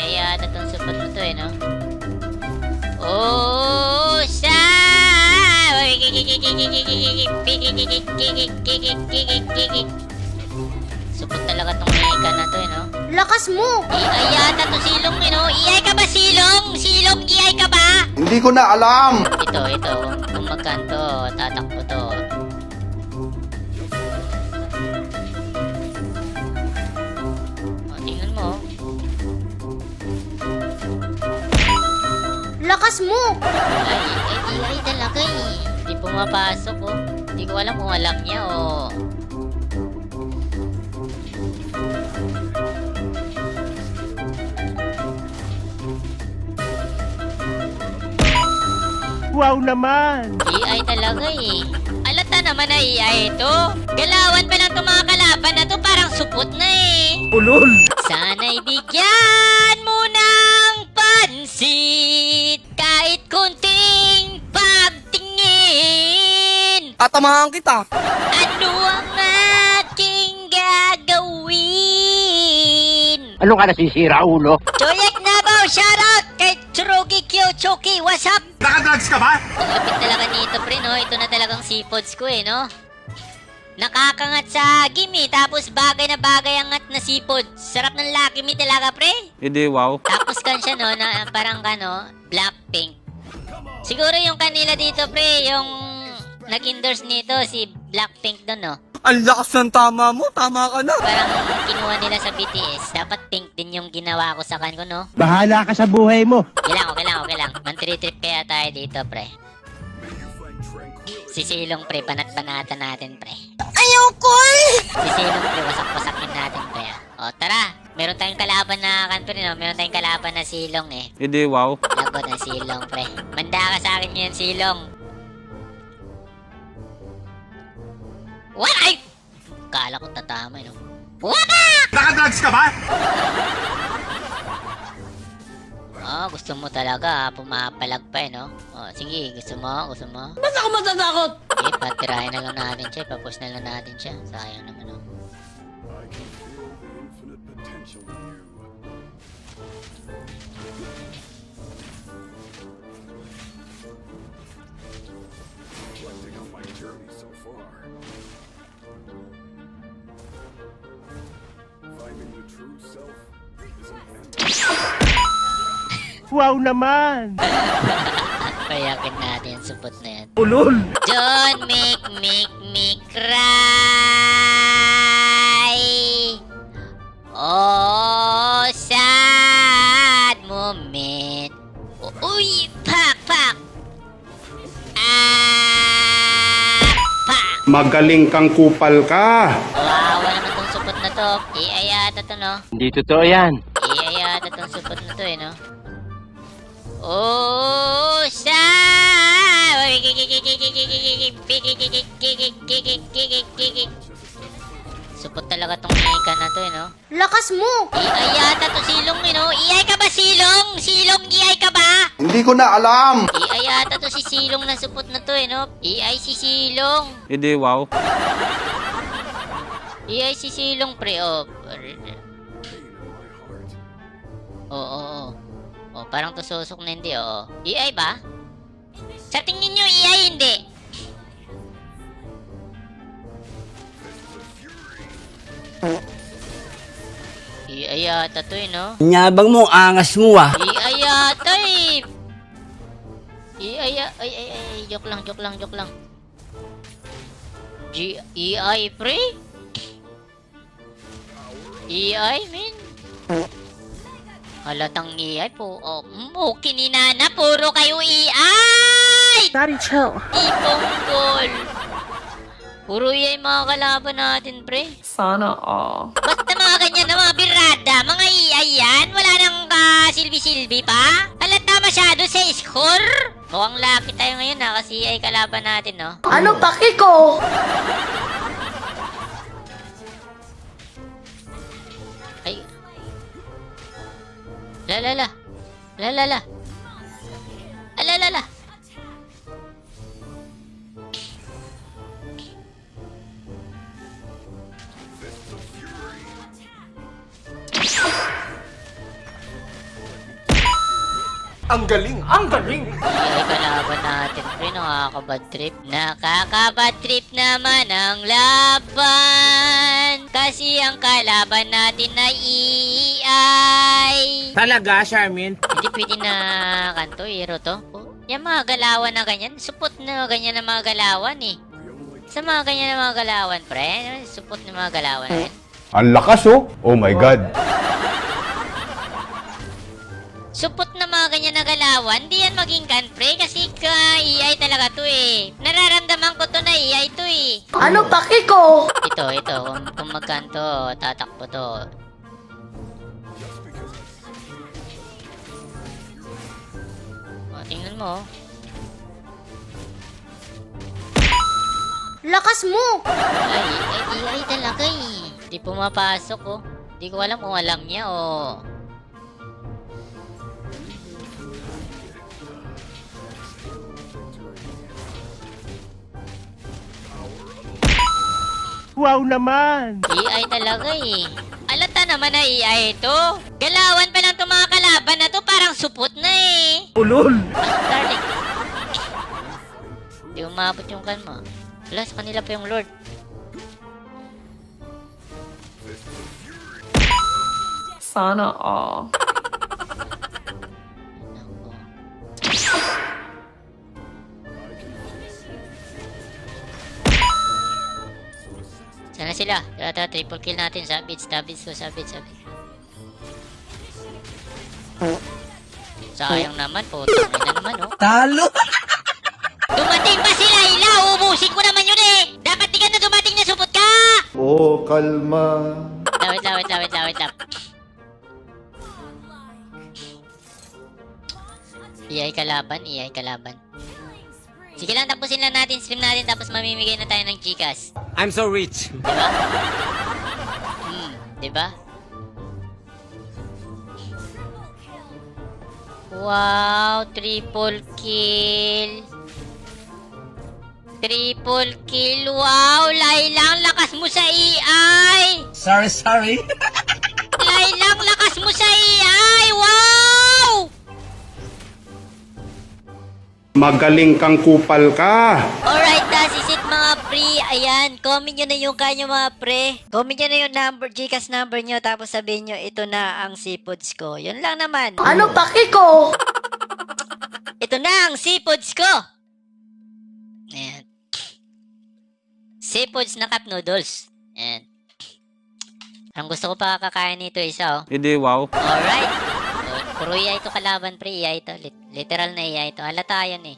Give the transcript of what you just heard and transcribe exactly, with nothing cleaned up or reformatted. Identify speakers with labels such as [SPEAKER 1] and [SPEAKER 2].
[SPEAKER 1] A I yata tong support na to eh, no? Oh, sa! Support talaga tong Mika na to eh, no?
[SPEAKER 2] Lakas mo!
[SPEAKER 1] A I yata to silong eh, no? A I ka ba silong? Silong A I ka ba?
[SPEAKER 3] Hindi ko na alam.
[SPEAKER 1] Ito, ito. Kung magkanto, tatakbo to. O, tingnan mo.
[SPEAKER 2] Lakas mo!
[SPEAKER 1] Ay, ay, A I talaga eh. Hindi pumapasok oh. Hindi ko alam kung alam niya oh.
[SPEAKER 4] Wow naman!
[SPEAKER 1] A I talaga eh. Alata naman na A I ito. Galawan pa lang itong mga kalaban na to, parang supot na eh.
[SPEAKER 4] Ulol!
[SPEAKER 1] Sana'y bigyan mo ng pansit kahit kunting pagtingin.
[SPEAKER 5] Tatamahan kita.
[SPEAKER 1] Ano ang aking gagawin?
[SPEAKER 4] Ano ka nasisira, ulo?
[SPEAKER 1] Joyek Nabaw, shoutout kay Tsurugi Kyo Choki, what's up?
[SPEAKER 3] Nakadrugs ka ba?
[SPEAKER 1] Ang lapit talaga nito, pre, no? Ito na talagang seafoods ko, eh, no? Nakakangat sa gimi, tapos bagay na bagay ang ngat na seafood. Sarap ng Lucky Me talaga, pre.
[SPEAKER 6] Hindi, wow.
[SPEAKER 1] Tapos kan siya, no, na parang kano, Blackpink. Siguro yung kanila dito, pre, yung nag-endorse nito, si Blackpink doon, no?
[SPEAKER 5] Ang lakas ng tama mo. Tama ka na.
[SPEAKER 1] Parang kinuha nila sa B T S. Dapat pink din yung ginawa ko sa kan ko, no?
[SPEAKER 4] Bahala ka sa buhay mo.
[SPEAKER 1] Okay lang, okay lang, okay lang. Man-trip kaya tayo dito, pre. Si Silong, pre, banat-banatan natin, pre.
[SPEAKER 2] Ayaw ko eh!
[SPEAKER 1] Si Silong, pre, wasak-wasakin natin, pre. O, tara. Meron tayong kalaban na kan, pre, no? Meron tayong kalaban na Silong, eh.
[SPEAKER 6] Hindi, wow.
[SPEAKER 1] Lagot ng Silong, pre. Manda ka sa akin yun, Silong. What? Ay! Kala ko tatama, eh, no? What?
[SPEAKER 3] Nakadrugs ka ba?
[SPEAKER 1] Oh, gusto mo talaga, ah. Pumapalag pa, eh, no? Oh, sige, gusto mo, gusto mo.
[SPEAKER 5] Ba't ako matatakot?
[SPEAKER 1] Okay, patirahin na lang natin siya. Papus na lang natin siya. Sayang naman, oh.
[SPEAKER 4] Wow naman!
[SPEAKER 1] Payakin natin yung supot na yan.
[SPEAKER 4] Ulol!
[SPEAKER 1] Don't make, make me cry. Oh, sad moment. Uy, pak, pak. Ah, pak.
[SPEAKER 3] Magaling kang kupal ka.
[SPEAKER 1] Wawa naman tong supot na to. A I yata to, no?
[SPEAKER 4] Hindi totoo yan.
[SPEAKER 1] A I yata tong supot na to, eh, no? Oh, sa! Supot talaga tong Mika na to, eh, no?
[SPEAKER 2] Lakas mo!
[SPEAKER 1] A I yata to silong, eh, no? A I ka ba silong? Silong A I ka ba?
[SPEAKER 3] Hindi ko na alam.
[SPEAKER 1] A I yata to si silong na supot na to, eh, no? A I si silong.
[SPEAKER 6] Hindi, wow.
[SPEAKER 1] A I si silong, pre, oh. Oo, oo, oo. Oh, parang tususok na hindi, oo. A I ba? Sa tingin nyo, A I hindi. A I yata to, eh, no?
[SPEAKER 5] Nyabang mo, angas mo ah.
[SPEAKER 1] A I yata, eh. A I, ya- ay, ay, ay, joke lang, joke lang, joke lang. G, A I, pre? A I, min? Halatang A I po. Oh, mm, okay ni Nana. Puro kayo A I!
[SPEAKER 2] Daddy, chill.
[SPEAKER 1] Tipong goal. Puro A I mga kalaban natin, pre.
[SPEAKER 7] Sana all.
[SPEAKER 1] Basta mga ganyan na mga birada, mga A I yan. Wala nang kasilbi-silbi pa. Halata masyado sa score. Mukhang lucky tayo ngayon ha, kasi A I kalaban natin, no?
[SPEAKER 2] Ano paki ko?
[SPEAKER 1] Ay. La la la. La la la. Ala la la.
[SPEAKER 3] Ang galing, ang galing.
[SPEAKER 1] Ay, kalaban natin, pre. Nakakabad trip. Nakakabad trip naman ang laban. Kasi ang kalaban natin ay E I.
[SPEAKER 4] Talaga, Charmin?
[SPEAKER 1] Hindi pwede na kanto, hero to. Oh, yung mga galawan na ganyan, supot na ganyan na mga galawan eh. Sa mga ganyan na mga galawan, pre. Supot na mga galawan na yan.
[SPEAKER 3] Ang lakas oh. Oh my God.
[SPEAKER 1] Supot na mga ganyan na galawan, di yan maging kan, pre. Kasi ka E I talaga to eh. Nararamdaman ko to na E I to eh.
[SPEAKER 2] Ano paki ko?
[SPEAKER 1] Ito, ito. Kung, kung magkanto, tatakbo to. O, tingnan mo. oh.
[SPEAKER 2] Lakas mo!
[SPEAKER 1] Ay, ay, E I talaga eh. Di pumapasok oh. Di ko alam kung alam niya o...
[SPEAKER 4] Wow naman!
[SPEAKER 1] E I talaga eh. Alata naman na E I ito. Galawan pa lang itong mga kalaban na to, parang supot na eh.
[SPEAKER 4] Ulol!
[SPEAKER 1] Ah, darling. Di umabot yung kan mo. Wala, sa kanila pa yung Lord.
[SPEAKER 6] Sana all.
[SPEAKER 1] Nako. Sana sila. Tara, tara, triple kill natin. Sabit, sabit, so sabit, sabit. Sayang naman, putang ina naman, oh.
[SPEAKER 5] Talo!
[SPEAKER 1] Dumating pa sila, Ila! Ubusin ko naman yun eh! Dapat di ka na dumating na supot ka!
[SPEAKER 3] Oh, kalma.
[SPEAKER 1] Lawit, lawit, lawit, lawit, lawit. E I kalaban, E I kalaban. Sige lang, tapusin lang natin, stream natin, tapos mamimigay na tayo ng Gcash.
[SPEAKER 5] I'm so rich.
[SPEAKER 1] Diba? Hmm, diba? Wow, triple kill. Triple kill, wow! Lailang, lakas mo sa E I!
[SPEAKER 5] Sorry, sorry.
[SPEAKER 1] Lailang, lakas mo sa E I! Wow!
[SPEAKER 3] Magaling kang kupal ka.
[SPEAKER 1] Alright, that's is it mga pre. Ayan, comment nyo na yung kanyo mga pre. Comment nyo na yung number, Gcash number nyo, tapos sabihin nyo, ito na ang seafoods ko. Yun lang naman.
[SPEAKER 2] Ano paki ko?
[SPEAKER 1] Ito na ang seafoods ko. Ayan. Seafoods na cup noodles. Ayan. Ang gusto ko pa kakain nito isa oh.
[SPEAKER 5] Hindi, wow.
[SPEAKER 1] Alright. So, puro E I ito kalaban pre, E I ito. Lit- literal na E I ito. Halata yan eh.